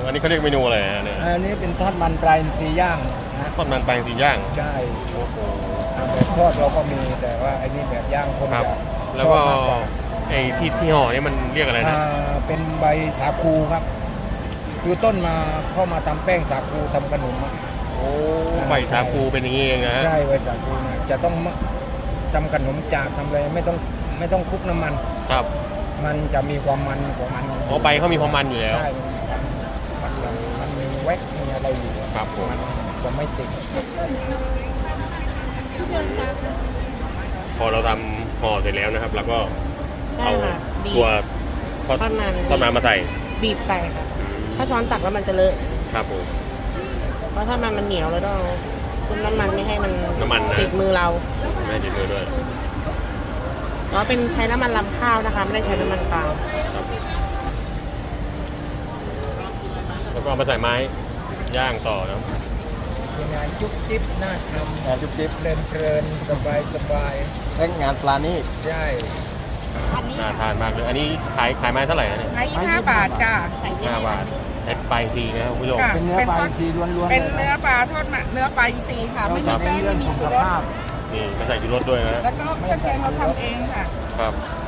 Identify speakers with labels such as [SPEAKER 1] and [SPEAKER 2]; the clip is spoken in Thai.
[SPEAKER 1] อันนี้เขาเรียกเมนูอะไรเนี่ย
[SPEAKER 2] อันนี้เป็นทอดมันปลาอินทรีย่างนะ
[SPEAKER 1] ทอดมันปลาสีย่าง
[SPEAKER 2] ใช่
[SPEAKER 1] โอ้โห
[SPEAKER 2] แบบทอดเราก็มีแต่ว่าไอ้นี่แบบย่างคน
[SPEAKER 1] ครับ
[SPEAKER 2] จะ
[SPEAKER 1] แล้ว
[SPEAKER 2] ชอบ
[SPEAKER 1] ก็
[SPEAKER 2] มากกว่า
[SPEAKER 1] ไอ้ที่ห่อนี่มันเรียกอะไรนะ
[SPEAKER 2] เป็นใบสาคูครับคือต้นมาเข้ามาทำแป้งสาคูทำขนมอะ
[SPEAKER 1] โอ้ใบชาคูเป็นอย่างนี้เองนะฮะ
[SPEAKER 2] ใช่ใบสาคูเนี่ยจะต้องทำขนมจากทำอะไรไม่ต้องคลุกน้ำมัน
[SPEAKER 1] ครับ
[SPEAKER 2] มันจะมีความมันของมัน
[SPEAKER 1] อ๋อใบเขามีความมันอยู่แล้ว
[SPEAKER 2] ใช่มันมีแว็กมีอะไรอยู่
[SPEAKER 1] ครับผม
[SPEAKER 2] มันจะไม่ติด
[SPEAKER 1] พอเราทำห่อเสร็จแล้วนะครับ แล้วก็เอา
[SPEAKER 3] ได้ค่ะบีบ
[SPEAKER 1] ตัวทอด
[SPEAKER 3] ทอดมัน
[SPEAKER 1] มันมาใส่
[SPEAKER 3] บีบใส่ค่ะ ถ้าช้อนตักแล้วมันจะเลอะ
[SPEAKER 1] ครับผม
[SPEAKER 3] เพราะถ้ามันเหนียวแล้วต้องเอาคุมน้ำมันไม่ให้มัน
[SPEAKER 1] น้ำมันนะ
[SPEAKER 3] ติดมือเรา
[SPEAKER 1] ไม่ติดมือด้วย
[SPEAKER 3] เพราะเป็นใช้น้ำมันลำข้าวนะคะ ไม่ได้ใช้น้ำมันปาล์ม
[SPEAKER 1] ครับแล้วก็เอามาใส่ไม้ย่างต่อนะครับ
[SPEAKER 2] เป็นงานจุ๊บจิ๊บน่าทำ
[SPEAKER 4] งานจุ๊บจิ๊บ
[SPEAKER 2] เพลินสบาย
[SPEAKER 4] และงานปลานี่
[SPEAKER 2] ใช่
[SPEAKER 1] น่าทานมากเลย อันนี้ขายไม้เท่าไหร่นะเนี่ย
[SPEAKER 5] ไม้25 บาทจ้ะ
[SPEAKER 3] ใส่เย
[SPEAKER 1] 5
[SPEAKER 3] อะ
[SPEAKER 1] บาทใช้ไปทีนะครับคุณผู้ชม
[SPEAKER 5] ค่ะ
[SPEAKER 2] เป็นเนื้อปลาอินทรีล้วนๆ
[SPEAKER 5] เป็น
[SPEAKER 2] ลย
[SPEAKER 5] เนื้อปลาทอดมันเนื้อปลาอินทรีค่ะ ไม่มี
[SPEAKER 2] เรา
[SPEAKER 5] แป้
[SPEAKER 2] จะ
[SPEAKER 5] ง
[SPEAKER 2] เน้นเรื่
[SPEAKER 5] ไม่
[SPEAKER 2] อง
[SPEAKER 5] มี
[SPEAKER 2] สุ
[SPEAKER 5] ชู
[SPEAKER 2] ข
[SPEAKER 5] รส
[SPEAKER 2] ภาพ
[SPEAKER 1] นี่ไม่ใส่ชูรสด้วยนะ
[SPEAKER 5] แล้วก็กระเทียมเราทำเองค่ะ
[SPEAKER 1] ครับ